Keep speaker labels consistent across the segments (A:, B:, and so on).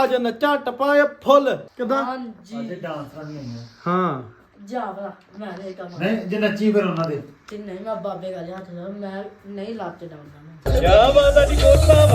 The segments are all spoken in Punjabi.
A: ਅੱਜ ਨੱਚਾ ਟੱਪਾ ਇਹ ਫੁੱਲ ਕਿਦਾਂ
B: ਹਾਂਜੀ
C: ਅੱਜ ਡਾਂਸਰਾਂ ਨਹੀਂ ਆਈਆਂ
A: ਹਾਂ
B: ਜਾਵਲਾ ਮੈਂ ਇਹ ਕੰਮ
C: ਨਹੀਂ ਜੇ ਨੱਚੀ ਫਿਰ ਉਹਨਾਂ ਦੇ
B: ਤੇ ਨਹੀਂ ਮੈਂ ਬਾਬੇ ਗਾਲੇ ਹੱਥ ਲਾ ਮੈਂ ਨਹੀਂ ਲੱਤ ਡਾਉਂਦਾ ਮੈਂ
A: ਕਿਆ ਬਾਤ ਹੈ ਜੀ ਕੋਲ ਸਾਹਿਬ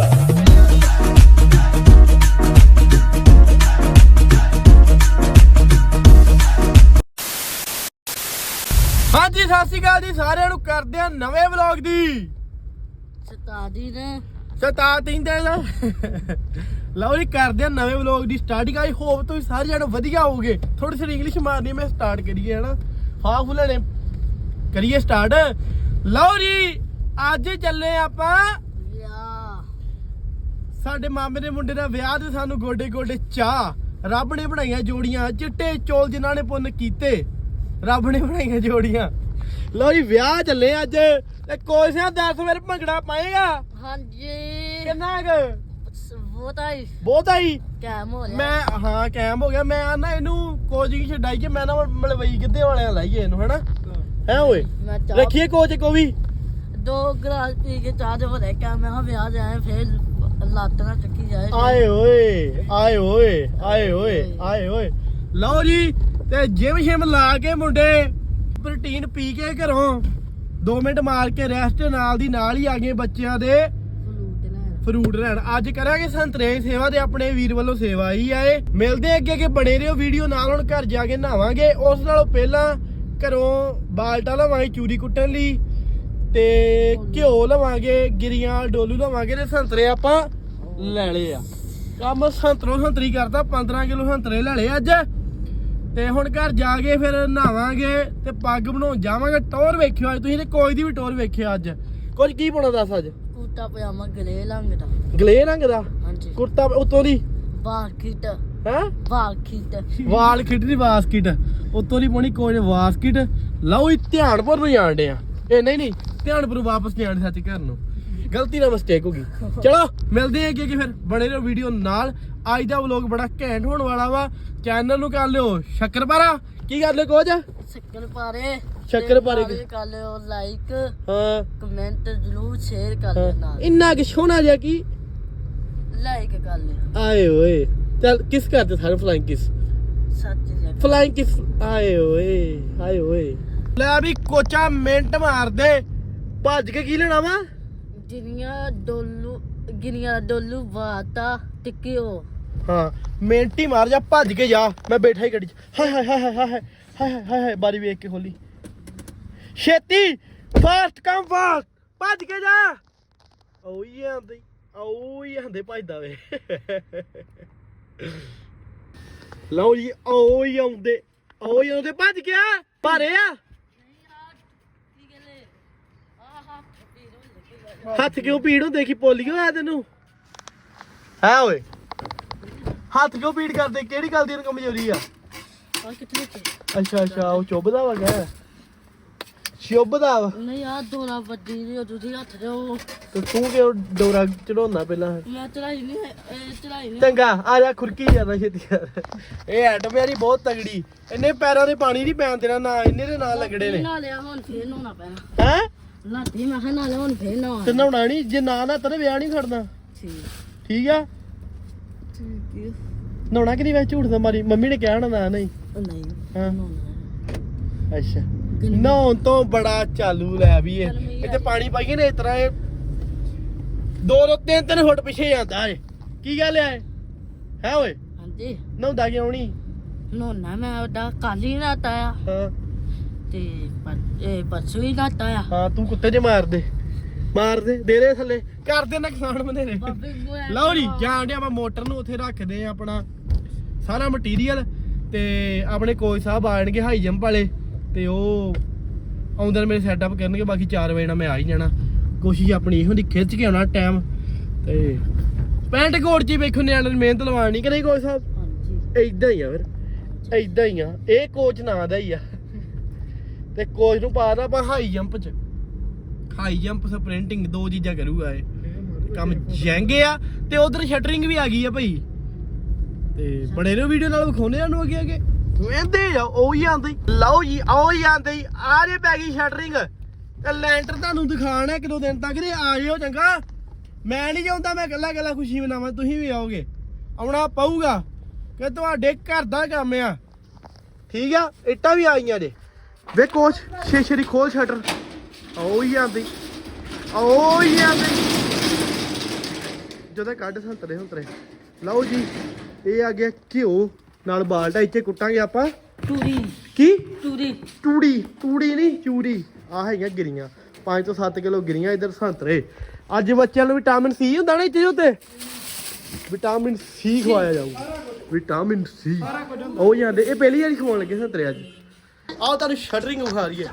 A: ਹਾਂਜੀ ਸਤਿ ਸ਼੍ਰੀ ਅਕਾਲ ਜੀ ਸਾਰਿਆਂ ਨੂੰ ਕਰਦੇ ਆ ਨਵੇਂ ਵਲੌਗ ਦੀ
B: ਸਤਾਦੀ ਨੇ
A: ਸਤਾਤੀ ਦੇ ਲਓ ਜੀ ਕਰਦੇ ਆ ਨਵੇਂ ਵਲੌਗ ਦੀ ਸਟਾਰਟਿੰਗ। ਆਈ ਹੋਪ ਤੁਸੀਂ ਸਾਰੇ ਜਣੇ ਵਧੀਆ ਹੋਵੋਗੇ। ਥੋੜੀ ਜਿਹੀ ਇੰਗਲਿਸ਼ ਮਾਰਨੀ ਮੈਂ ਸਟਾਰਟ ਕਰੀਏ ਹਨਾ ਹਾਫ ਲੈਣੇ ਕਰੀਏ ਸਟਾਰਟ। ਲਓ ਜੀ ਅੱਜ ਚੱਲੇ ਆਪਾਂ
B: ਯਾ
A: ਸਾਡੇ ਮਾਮੇ ਦੇ ਮੁੰਡੇ ਦਾ ਵਿਆਹ ਤੇ ਸਾਨੂੰ ਗੋਡੇ ਗੋਡੇ ਚਾਹ ਰੱਬ ਨੇ ਬਣਾਈਆਂ ਜੋੜੀਆਂ ਚਿੱਟੇ ਚੋਲ ਜਿਨ੍ਹਾਂ ਨੇ ਪੁੰਨ ਕੀਤੇ ਰੱਬ ਨੇ ਬਣਾਈਆਂ ਜੋੜੀਆਂ। ਲਓ ਜੀ ਵਿਆਹ ਚੱਲੇ ਅੱਜ ਤੇ ਕੋਸ਼ਿਸ਼ 10 ਵਾਰ ਭੰਗੜਾ ਪਾਏਗਾ
B: ਹਾਂਜੀ
A: ਕਿੰਨਾ ਕੁ
B: ਬਹੁਤ
A: ਆਈ
B: ਕੈਮ ਹੋ ਰਿਹਾ
A: ਮੈਂ ਹਾਂ ਕੈਮ ਹੋ ਗਿਆ। ਮੈਂ ਨਾ ਇਹਨੂੰ ਕੋਚਿੰਗ ਛਡਾਈ ਕਿ ਮੈਂ ਨਾ ਮਲਵਈ ਕਿੱਦੇ ਵਾਲਿਆਂ ਲਾਈਏ ਇਹਨੂੰ ਹਨਾ ਹੈ ਓਏ
B: ਮੈਂ ਚਾਹ
A: ਰੱਖੀਏ ਕੋਚ ਕੋ ਵੀ
B: 2 ਗਲਾਸ ਪੀ ਕੇ ਚਾਹ ਦੇ ਭਰੇ ਕੈਮ ਮੈਂ ਵਿਆਹ ਜਾਏ ਫਿਰ ਲੱਤ ਨਾ ਚੱਕੀ ਜਾਏ
A: ਆਏ ਓਏ ਆਏ ਓਏ ਆਏ ਓਏ ਆਏ ਓਏ। ਲਓ ਜੀ ਤੇ ਜਿਮ ਸ਼ਿਮ ਲਾ ਕੇ ਮੁੰਡੇ ਪ੍ਰੋਟੀਨ ਪੀ ਕੇ ਘਰੋਂ 2 ਮਿੰਟ ਮਾਰ ਕੇ ਰੈਸਟ ਨਾਲ ਦੀ ਨਾਲ ਹੀ ਆ ਗਏ ਬੱਚਿਆਂ ਦੇ ਫਰੂਟ ਲੈਣ। ਅੱਜ ਕਰਾਂਗੇ ਸੰਤਰੇ ਦੀ ਸੇਵਾ ਤੇ ਆਪਣੇ ਵੀਰ ਵੱਲੋਂ ਸੇਵਾ ਹੀ ਆਏ। ਮਿਲਦੇ ਅੱਗੇ ਅੱਗੇ ਬਣੇ ਰਹੋ ਵੀਡੀਓ ਨਾਲ। ਹੁਣ ਘਰ ਜਾ ਕੇ ਨਹਾਵਾਂਗੇ। ਉਸ ਨਾਲੋਂ ਪਹਿਲਾਂ ਘਰੋਂ ਬਾਲਟਾ ਲਵਾਂਗੇ ਚੂਰੀ ਕੁੱਟਣ ਲਈ ਤੇ ਘਿਓ ਲਵਾਂਗੇ ਗਿਰੀਆਂ ਡੋਲੂ ਲਵਾਂਗੇ ਤੇ ਸੰਤਰੇ ਆਪਾਂ ਲੈ ਲਏ ਆ। ਕੰਮ ਸੰਤਰੋਂ ਸੰਤਰੀ ਕਰਤਾ 15 ਕਿਲੋ ਸੰਤਰੇ ਲੈ ਲਏ ਅੱਜ ਤੇ ਹੁਣ ਘਰ ਜਾ ਕੇ ਫਿਰ ਨਹਾਵਾਂਗੇ ਤੇ ਪੱਗ ਬਣਾਉਣ ਜਾਵਾਂਗੇ। ਟੌਰ ਵੇਖਿਓ ਅੱਜ ਤੁਸੀਂ ਤੇ ਕੋਈ ਦੀ ਵੀ ਟੌਰ ਵੇਖਿਓ ਅੱਜ। ਕੁਝ ਕੀ ਪਾਉਣਾ ਦੱਸ ਅੱਜ?
B: ਕੁੱਤਾ ਪਜਾਮਾ ਗਲੇ ਰੰਗ ਦਾ
A: ਗਲੇ ਰੰਗ ਦਾ
B: ਹਾਂਜੀ
A: ਕੁੜਤਾ ਉਤੋਂ ਦੀ
B: ਬਾਖਿਟ
A: ਹੈ
B: ਬਾਖਿਟ
A: ਵਾਲ ਖਿੱਟ ਦੀ ਵਾਸਕਿਟ ਉਤੋਂ ਦੀ ਪਾਉਣੀ ਕੋਈ ਵਾਸਕਿਟ। ਲਓ ਜੀ ਧਿਆਨਪੁਰ ਨੂੰ ਜਾਣ ਡੇ ਆ। ਇਹ ਨਹੀਂ ਧਿਆਨਪੁਰ ਵਾਪਸ ਜਾਣ ਸੱਚ ਘਰ ਨੂੰ ਗਲਤੀ ਨਾਲ ਮਿਸਟੇਕ ਹੋ ਗਈ। ਚਲੋ ਮਿਲਦੇ ਆ ਅੱਗੇ ਫਿਰ ਬਣੇ ਰਹੋ ਵੀਡੀਓ ਨਾਲ। ਅੱਜ ਦਾ ਵਲੌਗ ਬੜਾ ਘੈਂਟ ਹੋਣ ਵਾਲਾ ਵਾ। ਚੈਨਲ ਨੂੰ ਕਰ ਲਿਓ ਸ਼ੱਕਰਪਾਰਾ ਕੀ ਕਰ ਲਿਓ ਕੁਝ ਸ਼ੱਕਰਪਾਰੇ
B: ਕਰ ਲਿਓ ਲਾਈਕ
A: ਹਾਂ
B: ਕਮੈਂਟ ਜ਼ਰੂਰ ਸ਼ੇਅਰ ਕਰ ਲਿਓ ਨਾਲ
A: ਇੰਨਾ ਕਿ ਸੋਹਣਾ ਜਿਹਾ ਕੀ
B: ਲਾਈਕ ਕਰ ਲਿਓ
A: ਆਏ ਓਏ ਚੱਲ ਕਿਸ ਕਰਦੇ ਸਾਰੇ ਫਲਾਈਂਗ ਕਿਸ
B: ਸੱਚ ਜੀ
A: ਫਲਾਈਂਗ ਕਿਸ ਆਏ ਓਏ ਲੈ ਵੀ ਕੋਚਾ ਮਿੰਟ ਮਾਰਦੇ ਭੱਜ ਕੇ ਕੀ ਲੈਣਾ ਵਾ
B: ਗਿਰੀਆਂ ਡੋਲੂ ਵਾਤਾ ਟਿਕਿਓ
A: ਹਾਂ ਮਿੰਟ ਹੀ ਮਾਰ ਜਾ ਭੱਜ ਕੇ ਜਾ। ਮੈਂ ਬੈਠਾ ਹੀ ਗੱਡੀ 'ਚ ਹਾਏ ਹਾਏ ਹਾਏ ਹਾਏ ਹਾਏ ਹਾਏ ਹਾਏ ਹਾਏ ਬਾਰੀ ਵੇਖ ਕੇ ਖੋਲੀ ਛੇਤੀ ਫਾਸਟ ਕਮ ਫਾਸਟ ਭੱਜ ਕੇ ਜਾ। ਓਏ ਆਂਦੇ ਭੱਜਦਾ ਵੇ। ਲਓ ਜੀ ਓਏ ਆਉਂਦੇ ਭੱਜ ਗਿਆ ਭਾਰੇ ਆ ਹੱਥ ਕਿਉਂ ਪੀੜ ਹੁੰਦੇ ਕੀ ਪੋਲੀਓ ਆ ਤੈਨੂੰ ਹੈ ਓਏ ਹੱਥ ਕਿਉਂ ਪੀੜ ਕਰਦੇ ਕਿਹੜੀ ਗੱਲ ਦੀ ਕਮਜ਼ੋਰੀ ਆ? ਅੱਛਾ ਉਹ ਚੁੱਭਦਾ ਵਾ ਗਿਆ ਚੁੱਭਦਾ ਵਾ
B: ਨਹੀਂ ਆ ਦੋਰਾ ਵੱਡੀ ਦੀ ਤੁਸੀਂ ਹੱਥ ਜਾਓ
A: ਤੇ ਤੂੰ ਕਿਉਂ ਡੋਰਾ ਚੜਾਉਣਾ ਪਹਿਲਾਂ?
B: ਮੈਂ ਚੜਾਈ ਨਹੀਂ
A: ਚੰਗਾ ਆ ਜਾ ਖੁਰਕੀ ਜਾਂਦਾ ਛੇਤੀ ਯਾਰ। ਇਹ ਐਟ ਮੇਰੀ ਬਹੁਤ ਤਗੜੀ ਇਹਨੇ ਪੈਰਾਂ ਦੇ ਪਾਣੀ ਨਹੀਂ ਪੈਣ ਦੇਣਾ ਨਾ ਇਹਨੇ ਦੇ ਨਾਲ ਲੱਗੜੇ ਨੇ।
B: ਨਾ ਲਿਆ ਹੁਣ ਫੇਰ ਨਹਾਉਣਾ ਪੈਣਾ
A: ਹੈ
B: ਲਾਤੀ ਮੈਂ ਕਿਹਾ ਨਾਲੇ ਹੁਣ ਫੇਰ ਨਹਾਉਣਾ
A: ਤੇ ਨਹਾਉਣਾ ਨਹੀਂ ਜੇ ਨਾ ਨਾ ਤੇਰੇ ਵਿਆਹ ਨਹੀਂ ਖੜਨਾ ਠੀਕ ਆ ਨਹਾਉਣਾ ਕਿ ਨਹੀਂ ਵੈਸੇ ਝੂਠ ਦਾ ਮਾਰੀ ਮੰਮੀ ਨੇ ਕਿਹਾ ਹੋਣਾ ਨਾ ਨਹੀਂ
B: ਨਹੀਂ
A: ਹਾਂ
B: ਨਹਾਉਣਾ
A: ਅੱਛਾ ਨਹਾਉਣ ਤੋਂ ਬੜਾ ਚਾਲੂ ਲੈ ਵੀ ਇਹ ਇੱਥੇ ਪਾਣੀ ਪਾਈਏ ਨਾ ਇਸ ਤਰ੍ਹਾਂ ਇਹ 2-3 ਫੁੱਟ ਪਿੱਛੇ ਜਾਂਦਾ ਏ। ਕੀ ਗੱਲ ਹੈ ਓਏ
B: ਹਾਂਜੀ
A: ਨਹਾਉਂਦਾ ਕਿਉਂ ਨਹੀਂ?
B: ਨਹਾਉਣਾ ਮੈਂ ਉਹਦਾ ਕੱਲ ਹੀ ਨਹਾਤਾ ਆ
A: ਹਾਂ
B: ਤੇ ਪਰਸੋਂ ਹੀ ਨਹਾਤਾ ਆ
A: ਹਾਂ ਤੂੰ ਕੁੱਤੇ ਜੇ ਮਾਰ ਦੇ ਦੇ ਦੇ ਥੱਲੇ ਕਰਦੇ ਨੁਕਸਾਨ ਬਥੇਰੇ। ਲਓ ਜੀ ਜਾਣ ਡਿਆ ਆਪਾਂ ਮੋਟਰ ਨੂੰ ਉੱਥੇ ਰੱਖਦੇ ਆ ਆਪਣਾ ਸਾਰਾ ਮਟੀਰੀਅਲ ਤੇ ਆਪਣੇ ਕੋਚ ਸਾਹਿਬ ਆਣਗੇ ਹਾਈ ਜੰਪ ਵਾਲੇ ਤੇ ਉਹ ਆਉਂਦੇ ਨੇ ਮੇਰੇ ਸੈਟਅਪ ਕਰਨਗੇ। ਬਾਕੀ 4 ਵਜੇ ਨਾਲ ਮੈਂ ਆ ਹੀ ਜਾਣਾ। ਕੋਸ਼ਿਸ਼ ਆਪਣੀ ਇਹੋ ਦੀ ਖਿੱਚ ਕੇ ਆਉਣਾ ਟਾਈਮ ਤੇ ਪੈਂਟ ਕੋਟ 'ਚ ਵੇਖੋ ਨਿਆਣੇ ਨੇ ਮਿਹਨਤ ਲਵਾਣੀ ਕਿ ਨਹੀਂ ਕੋਚ ਸਾਹਿਬ?
B: ਹਾਂਜੀ
A: ਏਦਾਂ ਹੀ ਆ ਫਿਰ ਏਦਾਂ ਹੀ ਆ। ਇਹ ਕੋਚ ਨਾਂ ਦਾ ਹੀ ਆ ਤੇ ਕੋਚ ਨੂੰ ਪਾ ਦਾ ਆਪਾਂ ਹਾਈ ਜੰਪ 'ਚ ਹਾਈ ਜੰਪ ਸਪ੍ਰਿੰਟਿੰਗ 2 ਚੀਜ਼ਾਂ ਕਰੂਗਾ ਇਹ ਕੰਮ ਜੈਂਗੇ ਆ ਤੇ ਉਧਰ ਸ਼ਟਰਿੰਗ ਵੀ ਆ ਗਈ ਆ ਭਾਈ ਤੇ ਬੜੇ ਨੇ ਵੀਡੀਓ ਨਾਲ ਵਿਖਾਉਣੇ ਸਾਨੂੰ ਅੱਗੇ ਵੇਂਦੇ ਆ ਉਹੀ ਆਂਦੇ। ਲਓ ਜੀ ਉਹੀ ਆਂਦੇ ਆ ਜੇ ਪੈ ਗਈ ਸ਼ਟਰਿੰਗ ਤੇ ਲੈਂਟਰ ਤੁਹਾਨੂੰ ਦਿਖਾਣਾ 1-2 ਦਿਨ ਤੱਕ ਤੇ ਆ ਜਿਓ ਚੰਗਾ। ਮੈਂ ਨਹੀਂ ਚਾਹੁੰਦਾ ਮੈਂ ਇਕੱਲਾ ਖੁਸ਼ੀ ਮਨਾਵਾਂ ਤੁਸੀਂ ਵੀ ਆਓਗੇ ਆਉਣਾ ਪਊਗਾ ਕਿ ਤੁਹਾਡੇ ਘਰ ਦਾ ਕੰਮ ਆ। ਠੀਕ ਆ, ਇੱਟਾਂ ਵੀ ਆਈਆਂ ਜੇ ਵੇ ਕੋਚ ਸ਼ੀਸ਼ੇ ਦੀ ਖੋਲ ਸ਼ਟਰ। ਓ ਹੀ ਆਂਦੀ ਜਦੋਂ ਕੱਢ ਸੰਤਰੇ ਹੁੰਤਰੇ। ਲਓ ਜੀ ਇਹ ਆ ਗਿਆ ਘਿਓ ਨਾਲ ਬਾਲਟਾ, ਇੱਥੇ ਕੁੱਟਾਂਗੇ ਆਪਾਂ
B: ਟੂਰੀ
A: ਕੀ
B: ਟੂਰੀ
A: ਨਹੀਂ ਚੂਰੀ। ਆ ਹੈਗੀਆਂ ਗਿਰੀਆਂ 5 ਤੋਂ 7 ਕਿਲੋ ਗਿਰੀਆਂ। ਇਧਰ ਸੰਤਰੇ। ਅੱਜ ਬੱਚਿਆਂ ਨੂੰ ਵਿਟਾਮਿਨ ਸੀ ਹੁੰਦਾ ਨਾ ਇੱਥੇ ਉੱਤੇ, ਵਿਟਾਮਿਨ ਸੀ ਖਵਾਇਆ ਜਾਊਗਾ। ਵਿਟਾਮਿਨ ਸੀ ਉਹ ਜਾਂਦੇ। ਇਹ ਪਹਿਲੀ ਵਾਰੀ ਖਵਾਉਣ ਲੱਗੇ ਸੰਤਰੇ ਅੱਜ। ਆਹ ਤੁਹਾਨੂੰ ਸ਼ਟਰਿੰਗ ਵਿਖਾ ਰਹੀ ਹੈ।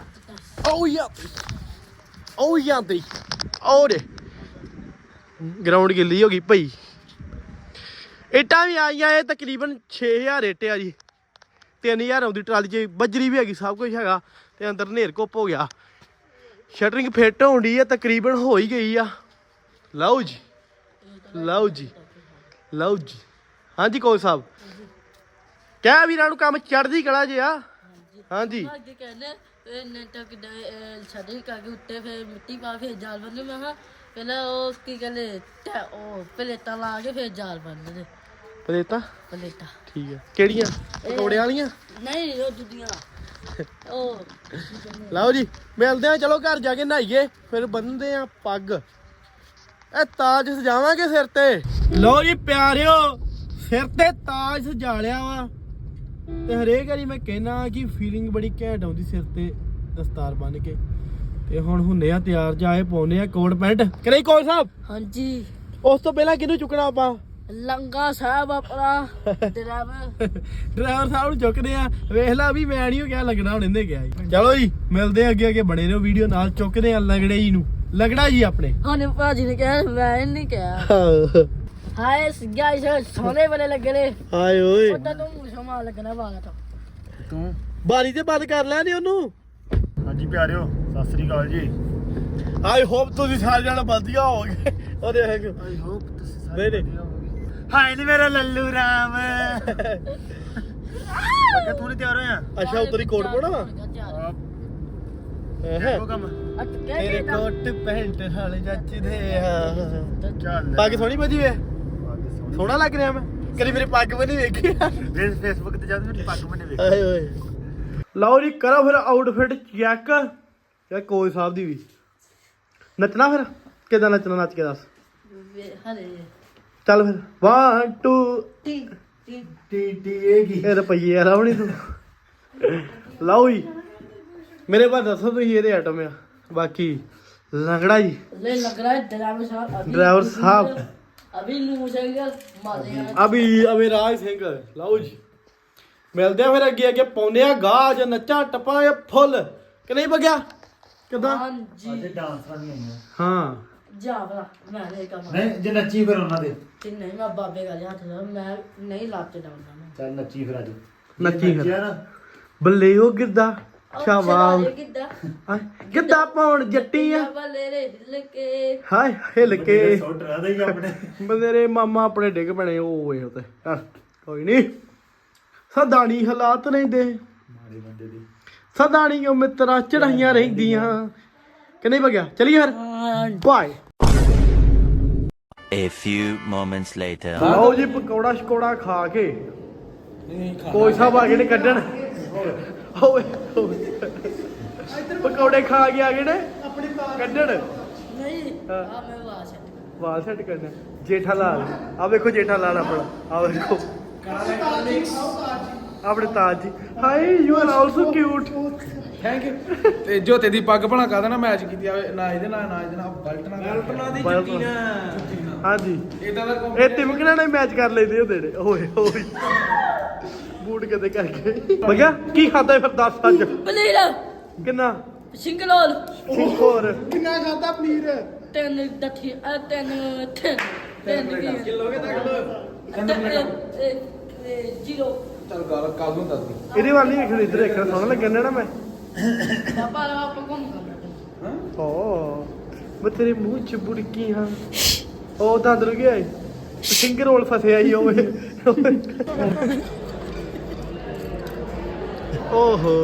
A: ਉਹ ਜਾਂਦੀ ਓਰੇ ਗਰਾਊਂਡ ਗਿੱਲੀ ਹੋ ਗਈ ਭਈ। ਇੱਟਾਂ ਵੀ ਆਈਆਂ। ਇਹ ਤਕਰੀਬਨ 6000 ਇੱਟ ਆ ਜੀ। 3000 ਆਉਂਦੀ ਟਰਾਲੀ 'ਚ, ਬਜਰੀ ਵੀ ਹੈਗੀ, ਸਭ ਕੁਝ ਹੈਗਾ। ਤੇ ਅੰਦਰ ਨੇਰ ਘੁੱਪ ਹੋ ਗਿਆ। ਸ਼ਟਰਿੰਗ ਫਿੱਟ ਹੋਣ ਡਈ ਆ, ਤਕਰੀਬਨ ਹੋ ਹੀ ਗਈ ਆ। ਲਓ ਜੀ ਹਾਂਜੀ ਕੋਚ ਸਾਹਿਬ ਕਹਿ ਵੀਰਾਂ ਨੂੰ ਕੰਮ ਚੜ੍ਹਦੀ ਕਲਾ ਜੇ ਆ। ਹਾਂਜੀ
B: ਅੱਗੇ ਕਹਿੰਦੇ ਇਹਨੇ ਤੱਕ ਛੱਡੇ ਕਰਕੇ ਉੱਤੇ ਫਿਰ ਮਿੱਟੀ ਪਾ ਕੇ ਜਾਲ ਬੰਨ੍ਹਦੇ। ਮੈਂ ਕਿਹਾ ਪਹਿਲਾਂ ਉਹ ਕੀ ਕਹਿੰਦੇ ਉਹ ਪਲੇਟਾਂ ਲਾ ਕੇ ਫਿਰ ਜਾਲ ਬੰਨ੍ਹਦੇ।
A: ਪਲੇਟਾਂ
B: ਪਲੇਟਾਂ
A: ਠੀਕ ਆ। ਕਿਹੜੀਆਂ? ਪਕੌੜੇ ਵਾਲੀਆਂ?
B: ਨਹੀਂ ਉਹ ਦੂਜੀਆਂ ਉਹ।
A: ਲਓ ਜੀ ਮਿਲਦੇ ਆ, ਚਲੋ ਘਰ ਜਾ ਕੇ ਨਹਾਈਏ ਫਿਰ ਬੰਨਦੇ ਆ ਪੱਗ। ਇਹ ਤਾਜ ਸਜਾਵਾਂਗੇ ਸਿਰ ਤੇ। ਲਓ ਜੀ ਪਿਆਰਿਓ ਸਿਰ ਤੇ ਤਾਜ ਸਜਾ ਲਿਆ ਵਾ। ਤੇ ਹਰੇਕ ਵਾਰੀ ਮੈਂ ਕਹਿਣਾ ਕਿ ਫੀਲਿੰਗ ਬੜੀ ਘੈਂਟ ਆਉਂਦੀ ਸਿਰ ਤੇ ਦਸਤਾਰ ਬੰਨ ਕੇ। ਤੇ ਹੁਣ ਹੁੰਨੇ ਆ ਤਿਆਰ, ਜਾਏ ਪਾਉਨੇ ਆ ਕੋਟ ਪੈਂਟ। ਕਰੇ ਕੋਚ ਸਾਹਿਬ?
B: ਹਾਂਜੀ।
A: ਉਸ ਤੋਂ ਪਹਿਲਾਂ ਕਿਹਨੂੰ ਚੁੱਕਣਾ ਆਪਾਂ?
B: ਲੰਗਾ ਸਾਹਿਬ ਆਪਣਾ
A: ਡਰਾਈਵਰ ਸਾਹਿਬ ਨੂੰ ਚੁੱਕਦੇ ਆ। ਵੇਖ ਲਾ ਵੀ ਮੈਂ ਨਹੀਂ ਕਿਹਾ ਲੱਗਣਾ, ਹੁਣ ਇਹਨੇ ਕਿਹਾ ਜੀ। ਚਲੋ ਜੀ ਮਿਲਦੇ ਅੱਗੇ ਬਣੇ ਰਹੋ ਵੀਡੀਓ ਨਾਲ। ਚੁੱਕਦੇ ਆ ਲੰਗੜੇ ਜੀ ਨੂੰ, ਲੰਗੜਾ ਜੀ ਆਪਣੇ।
B: ਹਾਂ ਭਾਜੀ ਨੇ ਕਿਹਾ, ਮੈਂ ਨਹੀਂ ਕਿਹਾ। ਹਾਏ ਗਾਇਸ ਸੋਨੇ ਵਾਲੇ ਲੱਗਣੇ।
A: ਹਾਏ ਓਏ
B: ਉਹਦਾ ਤੂੰ ਸਮਾਂ ਲੱਗਣਾ ਬਾਗਾ
C: ਤੂੰ
A: ਬਾਰੀ ਤੇ ਬੰਦ ਕਰ ਲੈ ਨੀ ਉਹਨੂੰ।
C: ਹਾਂਜੀ ਪਿਆਰਿਓ ਸਤਿ ਸ੍ਰੀ ਅਕਾਲ ਜੀ।
A: ਆਈ ਹੋਪ ਤੁਸੀਂ ਸਾਰੇ ਜਣੇ ਵਧੀਆ ਹੋਵੋਗੇ। ਉਹਦੇ
C: ਆਈ ਹੋਪ ਤੁਸੀਂ
A: ਨਹੀਂ ਨਹੀਂ
C: ਹਾਏ ਨੀ ਮੇਰਾ ਲੱਲੂ ਰਾਮ। ਅੱਗੇ ਤੂੰ ਨਹੀਂ ਤਿਆਰ ਹੋਇਆ?
A: ਅੱਛਾ ਉਤਰੀ ਕੋਟ ਪਾਉਣਾ ਵਾ।
C: ਉਹ ਕੰਮ
A: ਤੇਰੇ ਕੋਟ ਪੈਂਟ ਹਾਲੇ ਜੱਚਦੇ ਆ।
C: ਚੱਲ
A: ਪੱਗ ਸੋਹਣੀ ਵੱਜੀ ਵੇ, ਸੋਹਣਾ ਲੱਗ ਰਿਹਾ ਮੈਂ। ਕਦੀ ਮੇਰੀ ਪੱਗ ਵੀ ਨਹੀਂ ਵੇਖੀ।
C: ਫੇਸਬੁੱਕ ਤੇ ਜਦ ਮੇਰੀ ਪੱਗ ਮੈਨੇ ਵੇਖੀ।
A: ਆਏ ਓਏ ਲਓ ਜੀ ਕਰੋ ਫਿਰ ਆਊਟਫਿਟ ਚੈੱਕ। ਯਾਰ ਕੋਚ ਸਾਹਿਬ ਦੀ ਵੀ ਨੱਚਣਾ। ਫਿਰ ਕਿੱਦਾਂ ਨੱਚਣਾ, ਨੱਚ ਕੇ ਦੱਸ।
B: ਹਲੇ
A: ਚੱਲ ਫਿਰ 1 2
B: ਟੀ
A: ਇਹ ਰੁਪਈਏ ਆ ਲਾਉਣੀ ਤੂੰ। ਲਓ ਜੀ ਮੇਰੇ ਬਾਅਦ ਦੱਸੋ ਤੁਸੀਂ ਇਹਦੇ ਆਈਟਮ ਆ। ਬਾਕੀ ਲੰਗੜਾ ਜੀ
B: ले लग रहा है ड्राइवर साहब
A: ड्राइवर साहब
B: अभी लूज है मारेगा
A: ਅਭੀ ਰਾਜ ਸਿੰਘ। ਲਓ ਜੀ ਮਿਲਦੇ ਆ ਫਿਰ ਅੱਗੇ ਪਾਉਂਦੇ ਆ ਗਾਜ ਨੱਚਾਂ ਟੱਪਾਂਗੇ ਫੁੱਲ ਕਿ ਨਹੀਂ ਬਗਿਆ ਕਿਦਾਂ?
B: हाँ जी
C: ਅੱਜ ਡਾਂਸਰਾਂ ਨਹੀਂ ਆਈਆਂ।
A: ਹਾਂ
B: जा भला मैं नहीं कमा
C: ਨਹੀਂ ਜੇ ਨੱਚੀ ਫਿਰ ਉਹਨਾਂ ਦੇ।
B: नहीं मैं बाबे का हाथ था मैं नहीं लाते डालना मैं
C: ਚੱਲ ਨੱਚੀ ਫਿਰ ਅੱਜ।
A: ਨੱਚੀ ਫਿਰ।
C: ਨੱਚਿਆ ਨਾ
A: ਬੱਲੇ ਉਹ ਗਿਰਦਾ ਸ਼ਾਬਾਸ਼।
B: किदा
A: ਗਿੱਧਾ ਪਾਉਣ ਜੱਟੀਆਂ
B: बले रे हिल के
A: ਹਾਏ ਹਿੱਲ ਕੇ
C: ਸੁੱਟ ਰਹਾ ਦੇ ਆਪਣੇ।
A: ਮੇਰੇ ਮਾਮਾ ਆਪਣੇ ਡਿੱਗ ਪਣੇ ਓਏ ਉਤੇ। ਕੋਈ ਨਹੀਂ ਸਦਾਣੀ ਹਾਲਾਤ ਰਹਿੰਦੇ
C: ਮਾਰੇ ਬੰਦੇ ਦੀ
A: ਸਦਾਣੀ ਉਹ ਮਿੱਤਰਾ ਚੜਾਈਆਂ ਰਹਿੰਦੀਆਂ ਕਿ ਨਹੀਂ ਬਗਿਆ। ਚਲੀਏ ਫਿਰ bye.
D: A few moments later.
A: ਲਓ ਜੀ ਪਕੌੜਾ ਸ਼ਕੌੜਾ ਖਾ ਕੇ ਕੋਈ ਸਾਹਿਬ ਆ ਗਏ ਨੇ ਕੱਢਣ। ਓਏ ਪਕੌੜੇ ਖਾ ਕੇ ਆ ਗਏ ਨੇ ਕੱਢਣ।
B: नहीं हां मैं वहां से
A: ਵਾਲ ਸੈੱਟ ਕਰਨਾ। ਜੇਠਾ ਲਾਲ ਆ ਵੇਖੋ, ਜੇਠਾ ਲਾਲ ਆਪਣਾ ਆ ਵੇਖੋ ਆਪਣੇ Taj ji. Hi you are also cute.
E: Thank you. ਤੇ ਜੋਤੇ ਦੀ ਪੱਗ ਭਣਾ ਕਾਹਦਾ ਨਾ ਮੈਚ ਕੀਤੀ ਆ ਨਾ ਇਹਦੇ ਨਾਲ ਨਾ ਇਹਦੇ ਨਾਲ ਬਲਟ ਨਾਲ ਦੀ ਜੁੱਤੀ ਨਾਲ।
A: ਹਾਂਜੀ
E: ਇਦਾਂ ਦਾ
A: ਇਹ ਤਿਮਕਣਾ ਨਾਲ ਮੈਚ ਕਰ ਲੈਂਦੇ ਹੁੰਦੇ ਨੇ। ਓਏ ਓਏ ਬੂਟ ਕਦੇ ਕਰਕੇ ਬਗਿਆ ਕੀ ਖਾਦਾ ਫਿਰ ਦੱਸ ਅੱਜ
B: पनीर
A: ਕਿੰਨਾ?
B: सिंगलोल
A: ਹੋਰ ਕਿੰਨਾ ਖਾਦਾ ਪਨੀਰ?
B: 3 दठी 3
E: ਕਿਲੋ ਕੇ ਤੱਕ
B: जीरो
E: ਚੱਲ ਗੱਲ ਕੱਲ ਨੂੰ ਦੱਸ ਦੀ।
A: ਇਹਦੇ ਵੱਲ ਨਹੀਂ ਵੇਖਣ, ਇੱਧਰ ਵੇਖਣ ਸੋਹਣਾ ਲੱਗਣ ਨਾ ਮੈਂ।
B: पापा आप कौन करना है
A: ਓ ਮੈਂ ਤੇਰੇ ਮੂੰਹ ਚ ਬੁੜਕੀ ਹਾਂ। ਉਹ ਤਾਂ ਅੰਦਰ ਗਿਆ ਸਿੰਗਰ ਰੋਲ ਫਸਿਆ ਹੀ ਓਏ। ਓਹੋ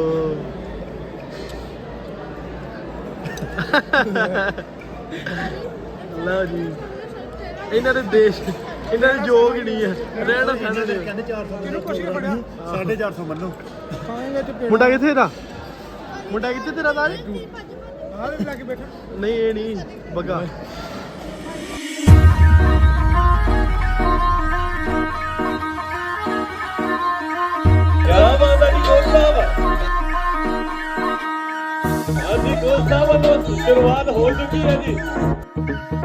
A: ਲਓ ਜੀ ਇਹਨਾਂ ਦੇ ਦੇਸ਼ ਇਹਨਾਂ ਦੀ ਜੋਗ ਹੀ ਨਹੀਂ ਹੈ ਰਹਿਣ ਖਾਣੇ ਦੇ
C: ਕਹਿੰਦੇ 400 ਕਿਹਨੂੰ ਕੁਛ ਨਹੀਂ ਫੜਿਆ 450 ਮੰਨੋ
A: ਮੁੰਡਾ ਕਿੱਥੇ ਦਾ ਮੁੰਡਾ ਕਿੱਥੇ ਤੇਰਾ ਤਾਜ
E: ਆਹ ਵੀ ਲੱਗ ਬੈਠਾ
A: ਨਹੀਂ ਇਹ ਨਹੀਂ ਬੱਗਾ
F: ਕਿਆ ਬਾਤ ਹੈ ਜੀ ਕੋਚ ਸਾਹਿਬ ਹਾਂਜੀ ਕੋਚ ਸਾਹਿਬ ਵੱਲੋਂ ਸ਼ੁਰੂਆਤ ਹੋ ਚੁੱਕੀ ਹੈ ਜੀ